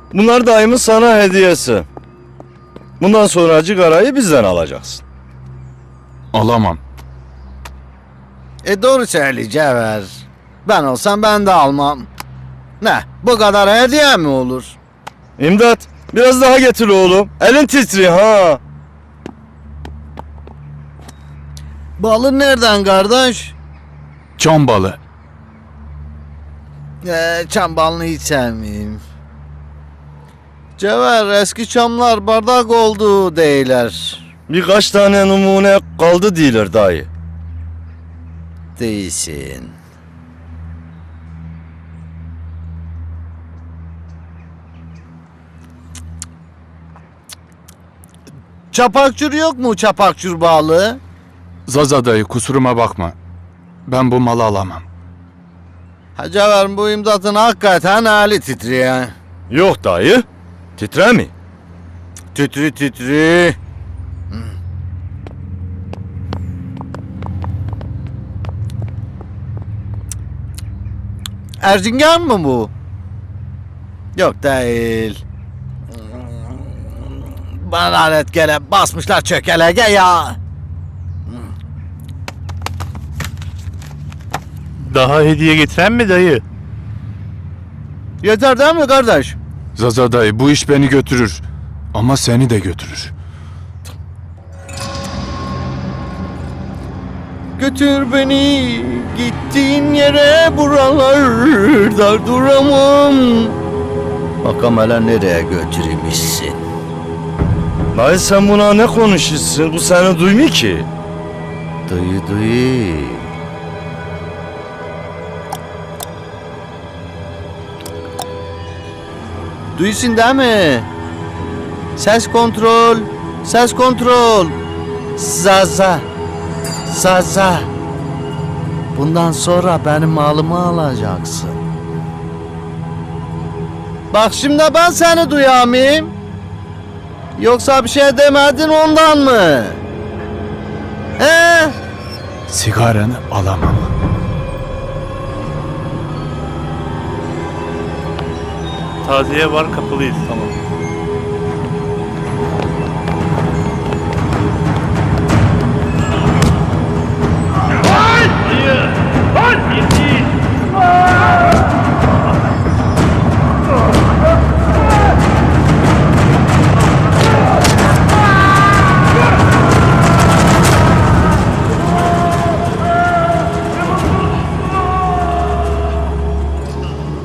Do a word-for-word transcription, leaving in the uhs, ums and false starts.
Bunlar dayımın sana hediyesi. Bundan sonra cigarayı bizden alacaksın. Alamam. E doğru söyle Cevher. Ben olsam ben de almam. Ne? Bu kadar hediye mi olur? İmdat, biraz daha getir oğlum. Elin titriyor ha. Balı nereden kardeş? Çam balı. Ee, çam balını hiç sevmeyeyim. Cevher, eski çamlar bardak oldu deyler. Birkaç tane numune kaldı değiller dayı. Değilsin. Çapakçur yok mu çapakçur balı? Zaza dayı kusuruma bakma. Ben bu malı alamam. Ha Cevher, bu imdatın hakikaten hali titriyor. Yok dayı. Titre mi? Titri titri. Erzincan mı bu? Yok değil. Bana lanet gele basmışlar çökelege ya. Daha hediye getiren mi dayı? Yeter değil mi kardeş? Zaza dayı bu iş beni götürür. Ama seni de götürür. Götür beni gittiğin yere, buralarda duramam. Bakalım hele nereye götürmüşsün? Dayı sen buna ne konuşuyorsun? Bu seni duymuyor ki. Duyu duyu. Duysun değil mi? Ses kontrol. Ses kontrol. Zaza. Zaza. Bundan sonra benim malımı alacaksın. Bak şimdi ben seni duyamayayım. Yoksa bir şey demedin ondan mı? He? Sigaranı alamam. Taziye var, kapalıyız, tamam.